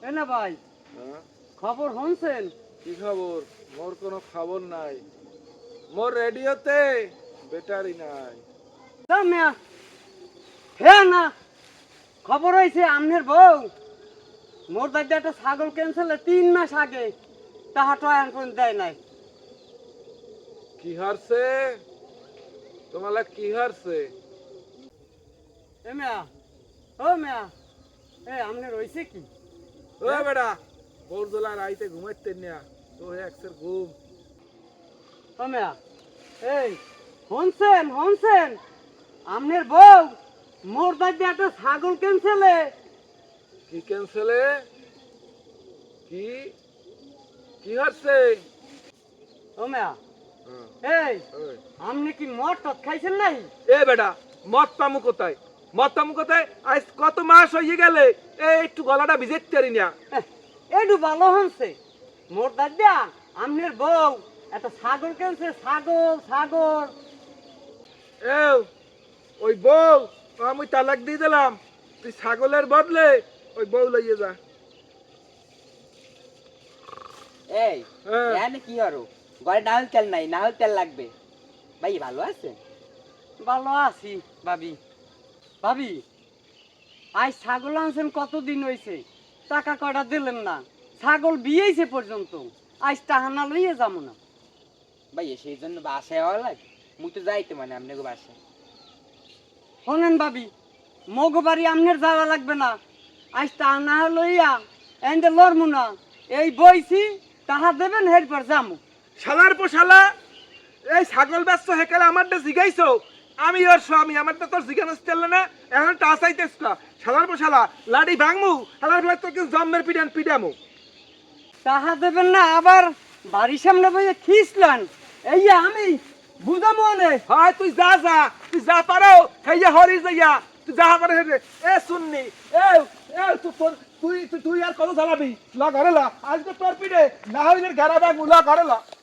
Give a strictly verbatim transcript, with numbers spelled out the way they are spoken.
এনা ভাই হ্যাঁ? খবর শুনছেন? কি খবর? মোর কোনো খবর নাই। মোর রেডিওতে ব্যাটারি নাই। তো মিয়া হে না খবর হয়েছে আমনের বউ মোর দাদি একটা ছাগল ক্যান্সেল তিন মাস আগে তাহা তো এখন দেয় নাই। কি হারছে? তোমালা কি হারছে? এ মিয়া ও মিয়া এ আমনের হয়েছে কি? ও বেটা, বোরদোলা রাইতে ঘুমাইতে না তো একসের ঘুম। ও মিয়া এই শুনছেন শুনছেন আমনের বউ মোর দাদি একটা ছাগল ক্যান্সেলে। কি ক্যান্সেলে? কি কি হারছে? ও মিয়া হ্যাঁ, এই ওই। আমনে কি মদ টদ খাইছেন নাই? এ বেটা, মদ পামু কোথায়? মদ পামু কোথায়? আজ কত মাস হয়ে গেলে এই একটু গলাটা ভিজেতে পারি না। একটু ভালো হচ্ছে মোর দাদা আমনের বউ একটা ছাগল কিনছে। ছাগল ছাগল এ ওই বউ আমি তালাক দিয়ে দিলাম, তুই ছাগলের বদলে ওই বউ লইয়ে যা। এই হ্যাঁ। এখানে কি হলো? ঘরে নাহল তেল নাই, নাহল তেল লাগবে। ভাই ভালো আছে? ভালো আছি ভাবি। ভাবি আজ ছাগল আনছেন কতদিন হয়েছে, টাকা কয়টা দিলেন না। ছাগল বিয়েছে পর্যন্ত আজ টাহানা লইয়ে যাবো না। ভাই সেই জন্য বাসায় হওয়া লাগে, মুই তো যাইতে মানে আপনাকে বাসায়। শোনেন ভাবি, মগ বাড়ি আমনের যাওয়া লাগবে না। আজ টাহানা লইয়া এন্ডে লড়মু না। এই বইছি তাহা দেবেন এরপর যামু। শালার পো শালা, এই ছাগল ব্যস্ত হেকালে আমারটা জিগাইছো, আমি ওর স্বামী, আমারটা তোর জিগানো চললে না, এখন টাসাইতেছ কা। শালার পো শালা, লাডি ভাঙমু, শালার ফেলে তোকে জম্মের পিডান পিডামু। তাহা দেবেন না আবার বাড়ির সামনে বইয়ে খিসলেন। এই যে আমি বুঝাবো অনেক। হয় তুই যা যা, তুই যা পারো হেইয়া হরি যাইয়া, তুই যা পারো হেরে। এ শুননি, এ এ তুই তোর- তুই তুই তুই আর কত জ্বালাবি? লা ঘরে লা, আজকে তোর পিঠে না হইলে ঘেরা ব্যাগ মুলা ঘরে লা।